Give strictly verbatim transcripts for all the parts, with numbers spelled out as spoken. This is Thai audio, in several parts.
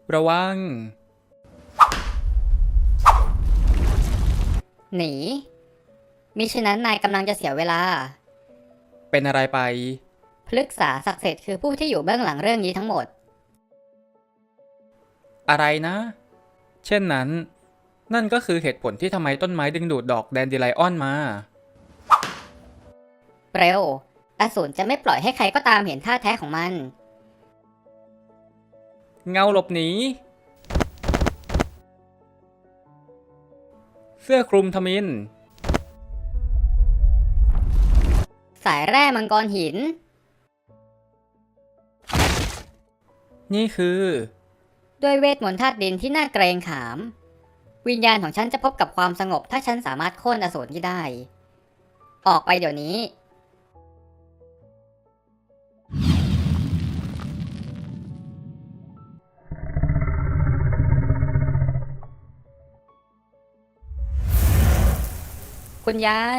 ระวังหนีมิฉะนั้นนายกำลังจะเสียเวลาเป็นอะไรไปพฤกษาศักดิ์สิทธิ์คือผู้ที่อยู่เบื้องหลังเรื่องนี้ทั้งหมดอะไรนะ เช่นนั้นนั่นก็คือเหตุผลที่ทำไมต้นไม้ดึงดูดดอกแดนดิไลออนมาเร็วอสูรจะไม่ปล่อยให้ใครก็ตามเห็นท่าแท้ของมันเงาหลบหนีเสื้อคลุมทมิฬสายแร่มังกรหินนี่คือด้วยเวทมนต์ธาตุดินที่น่าเกรงขามวิญญาณของฉันจะพบกับความสงบถ้าฉันสามารถโค่นอสูรที่ได้ ออกไปเดี๋ยวนี้ คุณยาย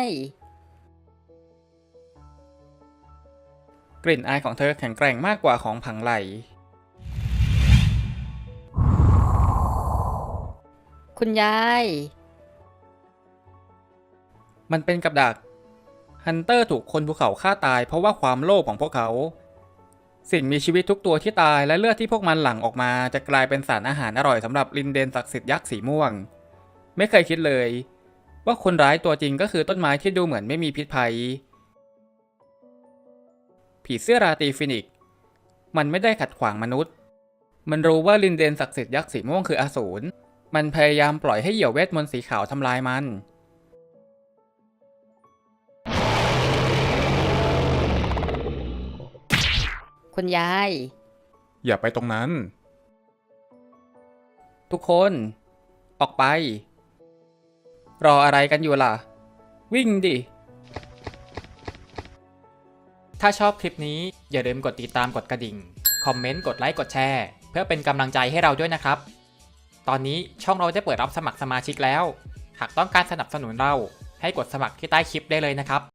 กลิ่นอายของเธอแข็งแกร่งมากกว่าของผังไหลคุณยายมันเป็นกับดักฮันเตอร์ถูกคนภูเขาฆ่าตายเพราะว่าความโลภของพวกเขา สิ่งมีชีวิตทุกตัวที่ตายและเลือดที่พวกมันหลั่งออกมาจะกลายเป็นสารอาหารอร่อยสำหรับลินเดนศักดิ์สิทธิ์ยักษ์สีม่วงไม่เคยคิดเลยว่าคนร้ายตัวจริงก็คือต้นไม้ที่ดูเหมือนไม่มีพิษภัยผีเสื้อราตรีฟินิกซ์มันไม่ได้ขัดขวางมนุษย์มันรู้ว่าลินเดนศักดิ์สิทธิ์ยักษ์สีม่วงคืออสูรมันพยายามปล่อยให้เหยี่ยวเวทมนต์สีขาวทำลายมันคุณยายอย่าไปตรงนั้นทุกคนออกไปรออะไรกันอยู่ล่ะวิ่งดิถ้าชอบคลิปนี้อย่าลืมกดติดตามกดกระดิ่งคอมเมนต์กดไลค์กดแชร์เพื่อเป็นกำลังใจให้เราด้วยนะครับตอนนี้ช่องเราได้เปิดรับสมัครสมาชิกแล้วหากต้องการสนับสนุนเราให้กดสมัครที่ใต้คลิปได้เลยนะครับ